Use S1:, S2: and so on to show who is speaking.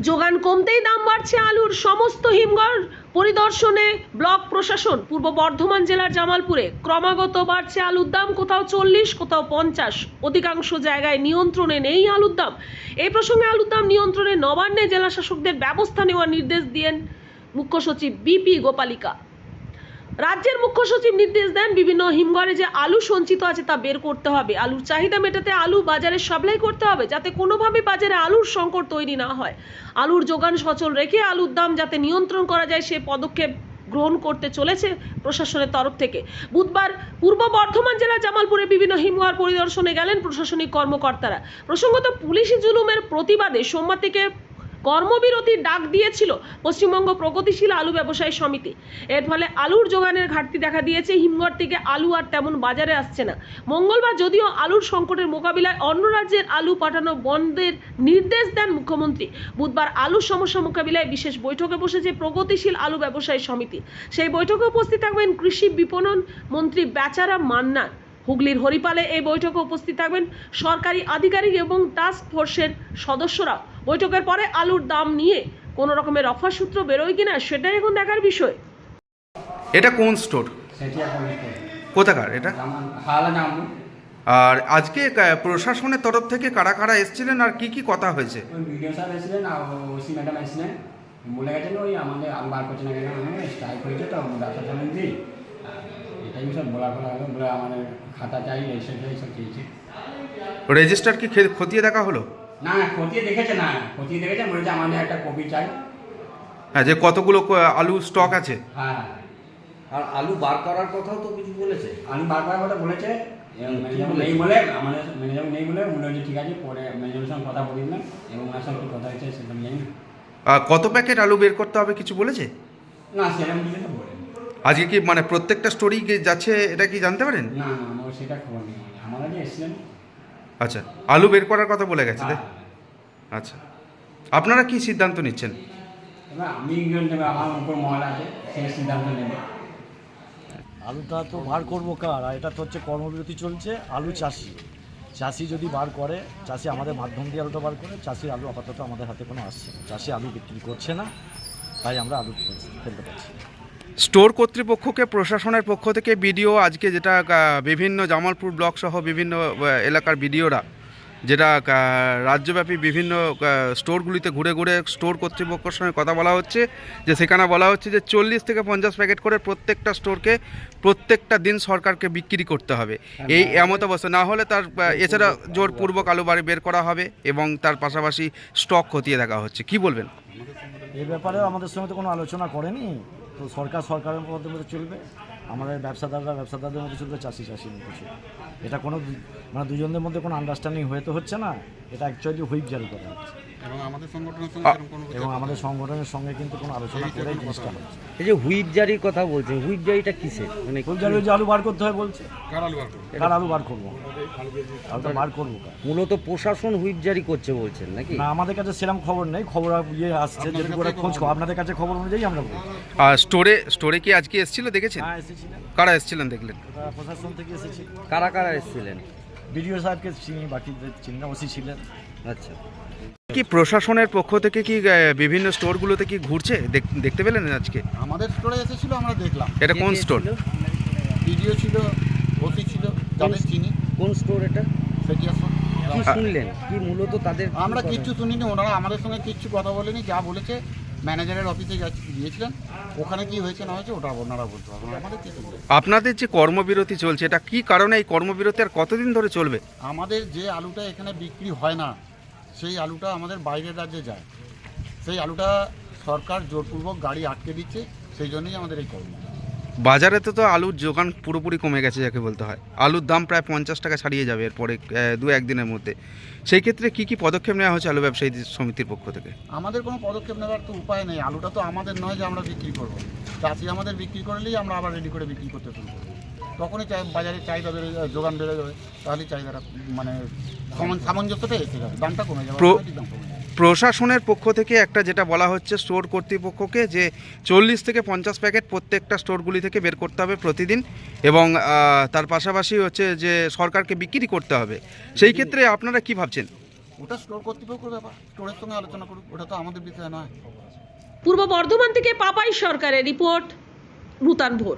S1: যোগান কমতেই দাম বাড়ছে আলুর। সমস্ত হিমঘর পরিদর্শনে ব্লক প্রশাসন। পূর্ব বর্ধমান জেলার জামালপুরে ক্রমাগত বাড়ছে আলুর দাম, কোথাও 40, কোথাও 50। অধিকাংশ জায়গায় নিয়ন্ত্রণে নেই আলুর দাম। এই প্রসঙ্গে আলুর দাম নিয়ন্ত্রণে নবান্নে জেলা শাসকদের ব্যবস্থা নেওয়ার নির্দেশ দিয়েন মুখ্য সচিব বিপি গোপালিকা। রাজ্যের মুখ্য সচিব নির্দেশ দেন, বিভিন্ন হিমঘরে যে আলু সঞ্চিত আছে তা বের করতে হবে। আলুর চাহিদা মেটাতে আলু বাজারে সাপ্লাই করতে হবে, যাতে কোনোভাবে বাজারে আলুর সংকট তৈরি না হয়। আলুর যোগান সচল রেখে আলুর দাম যাতে নিয়ন্ত্রণ করা যায়, সে পদক্ষেপ গ্রহণ করতে চলেছে প্রশাসনের তরফ থেকে। বুধবার পূর্ব বর্ধমান জেলার জামালপুরে বিভিন্ন হিমঘর পরিদর্শনে গেলেন প্রশাসনিক কর্মকর্তারা। প্রসঙ্গত, পুলিশি জুলুমের প্রতিবাদে সোমবার থেকে কর্মবিরতির ডাক দিয়েছিল পশ্চিমবঙ্গ প্রগতিশীল আলু ব্যবসায়ী সমিতি। এর ফলে আলুর যোগানের ঘাটতি দেখা দিয়েছে। হিমঘর থেকে আলু আর তেমন বাজারে আসছে না। মঙ্গলবার যদিও আলুর সংকটের মোকাবিলায় অন্য রাজ্যের আলু পাঠানো বন্ধের নির্দেশ দেন মুখ্যমন্ত্রী। বুধবার আলুর সমস্যা মোকাবিলায় বিশেষ বৈঠকে বসেছে প্রগতিশীল আলু ব্যবসায়ী সমিতি। সেই বৈঠকে উপস্থিত থাকবেন কৃষি বিপণন মন্ত্রী বেচারাম মান্না। হুগলির হরিপালে এই বৈঠকে উপস্থিত থাকবেন সরকারি আধিকারিক এবং টাস্ক ফোর্সের সদস্যরা। বৈঠকের পরে আলুর দাম নিয়ে কোনো রকমের অফার সূত্র বেরোয় কিনা সেটাই এখন দেখার বিষয়।
S2: এটা কোন স্টোর? কোথাকার এটা? আর আজকে প্রশাসনের তরফ থেকে কারা কারা এসেছিলেন আর কি কি কথা হয়েছে?
S3: ওই ভিডিও সাহেব এসেছিলেন আর ওসি ম্যাডাম এসেছিলেন। বলে গেছেন ওই আমাদের আলু বার করছে না কেন, স্ট্রাইক হয়েছে তো ব্যবসা সমিতি, এটাই সব বলা হলো। বলে আমাদের খাতা চাই, এইসব চেয়েছে।
S2: রেজিস্টার কি খতিয়ে দেখা হলো?
S3: না, খতিয়ে দেখেছে না, খতিয়ে দেখেছে, বলেছে আমাদের একটা কপি চাই।
S2: হ্যাঁ, যে কতগুলো আলু স্টক আছে।
S3: হ্যাঁ,
S4: আর আলু বার করার কথাও তো কিছু বলেছে।
S3: আলু বার করার কথা বলেছে, ম্যানেজার নেই বলে, আমাদের ম্যানেজার নেই বলে মনে হচ্ছে ঠিক আছে, পরে ম্যানেজারের সঙ্গে কথা বলিলাম এবং ওনার সঙ্গে কথা হয়েছে সেটা জানি না।
S2: কত প্যাকেট আলু বের করতে হবে কিছু বলেছে?
S3: না, সেরকম কিছু তো বলেনি।
S2: আজকে কি মানে প্রত্যেকটা স্টোরি যাচ্ছে এটা কি জানতে পারেন?
S3: না না, আমার সেটা খবর নেই। আমারা যে এসেছিলেন।
S2: আচ্ছা, আলু বের করার কথা বলে গেছে।
S3: হ্যাঁ।
S2: আচ্ছা, আপনারা কি সিদ্ধান্ত নিচ্ছেন?
S3: এবার আমি আমার উপর মহল আছে, সেই সিদ্ধান্ত নেবে।
S5: আলুটা তো বার করবো কার? আর এটা তো হচ্ছে কর্মবিরতি চলছে। আলু চাষি যদি বার করে, চাষি আমাদের মাধ্যম দিয়ে আলুটা বার করে, চাষির আলু আপাতত আমাদের হাতে কোনো আসছে না। চাষি আলু বিক্রি করছে না, তাই আমরা আলু ফেলতে পারছি।
S2: স্টোর কর্তৃপক্ষকে প্রশাসনের পক্ষ থেকে বিডিও আজকে যেটা বিভিন্ন জামালপুর ব্লক সহ বিভিন্ন এলাকার বিডিওরা যেটা রাজ্যব্যাপী বিভিন্ন স্টোরগুলিতে ঘুরে ঘুরে স্টোর কর্তৃপক্ষের সঙ্গে কথা বলা হচ্ছে, যে সেখানে বলা হচ্ছে যে 40 থেকে 50 প্যাকেট করে প্রত্যেকটা স্টোরকে প্রত্যেকটা দিন সরকারকে বিক্রি করতে হবে। এই এমত অবস্থা না হলে তার এছাড়া জোরপূর্বক আলু বাড়ি বের করা হবে এবং তার পাশাপাশি স্টক খতিয়ে দেখা হচ্ছে। কি বলবেন?
S5: এই ব্যাপারে আমাদের সঙ্গে তো কোনো আলোচনা করেনি। তো সরকারের মধ্যে চলবে, আমাদের ব্যবসাদারদের মধ্যে চলবে, চাষির মধ্যে চলবে। এটা কোনো মানে দুজনদের মধ্যে কোনো আন্ডারস্ট্যান্ডিং হয়ে তো হচ্ছে না। এটা অ্যাকচুয়ালি হুইপ জারি করা হচ্ছে এবং আমাদের সংগঠনের সঙ্গে কিন্তু কোনো আলোচনা করেই জিনিসটা হচ্ছে।
S4: এই যে হুইপ জারির কথা বলছে, হুইপ জারিটা কিসের? মানে
S5: হুইপ জারি যে আলু বার করতে হয় বলছে। কার আলু বার করবো? আলুটা বার করবো কার?
S4: মূলত প্রশাসন হুইপ জারি করছে বলছেন নাকি?
S5: না, আমাদের কাছে সেরকম খবর নেই। খবর আসছে যেটুকু করে খোঁজ আপনাদের কাছে খবর অনুযায়ী আমরা বলছি।
S2: আর স্টোরে কি আজকে এসেছিল দেখেছেন?
S5: হ্যাঁ, এসেছিলেন।
S2: কারা এসেছিলেন দেখলেন?
S5: প্রশাসন থেকে এসেছি।
S4: কারা কারা এসেছিলেন?
S5: বিডিও সাহেবকে চিনি, বাকি চিনি না, ওসি ছিলেন।
S4: আচ্ছা,
S2: কি প্রশাসনের পক্ষ থেকে কি বিভিন্ন স্টোরগুলোতে কি ঘুরছে দেখতে পেলেন আজকে?
S6: আমাদের স্টোরে এসেছিল, আমরা দেখলাম।
S2: এটা কোন স্টোর?
S6: ভিডিও ছিল, ওসি ছিল, যাদের চিনি।
S4: কোন স্টোর এটা?
S6: সেটি আসুন।
S4: কি শুনলেন? কি মূলত তাদের
S6: আমরা কিচ্ছু শুনিনি, ওনারা আমাদের সঙ্গে কিচ্ছু কথা বলেনি। যা বলেছে ম্যানেজারের অফিসে গিয়েছিলেন, ওখানে কি হয়েছে না হয়েছে ওটা ওনারা বলতে পারবেন, আমাদের কিছু বলতে।
S2: আপনাদের যে কর্মবিরতি চলছে এটা কি কারণে? এই কর্মবিরতি আর কতদিন ধরে চলবে?
S6: আমাদের যে আলুটা এখানে বিক্রি হয় না, সেই আলুটা আমাদের বাইরের রাজ্যে যায়। সেই আলুটা সরকার জোরপূর্বক গাড়ি আটকে দিচ্ছে, সেই জন্যই আমাদের এই কর্ম।
S2: বাজারে তো আলুর যোগান পুরোপুরি কমে গেছে যাকে বলতে হয়। আলুর দাম প্রায় 50 টাকা ছাড়িয়ে যাবে এরপরে 2-1 দিনের মধ্যে। সেই ক্ষেত্রে কি কি পদক্ষেপ নেওয়া হচ্ছে আলু ব্যবসায়ী সমিতির পক্ষ থেকে?
S6: আমাদের কোনো পদক্ষেপ নেওয়ার তো উপায় নেই। আলুটা তো আমাদের নয় যে আমরা বিক্রি করবো। চাষি আমাদের বিক্রি করলেই আমরা আবার রেডি করে বিক্রি করতে শুরু করবো। তখনই বাজারে চাহিদা বেড়ে যাবে, যোগান বেড়ে যাবে, তাহলেই চাহিদাটা মানে সামঞ্জস্যটা এসে যাবে, দামটা কমে যাবে, দাম কমে যাবে।
S2: প্রশাসনের পক্ষ থেকে একটা যেটা বলা হচ্ছে স্টোর কর্তৃপক্ষকে যে 40 থেকে 50 প্যাকেট প্রত্যেকটা স্টোরগুলি থেকে বের করতে হবে প্রতিদিন এবং তার পাশাপাশি হচ্ছে যে সরকারকে বিক্রি করতে হবে। সেই ক্ষেত্রে আপনারা কি ভাবছেন?
S6: ওটা স্টোর কর্তৃপক্ষের ব্যাপার, স্টোরের সঙ্গে আলোচনা করুক, ওটা তো আমাদের বিষয় নয়।
S1: পূর্ব বর্ধমান থেকে পাপাই সরকারের রিপোর্ট নূতন ভোর।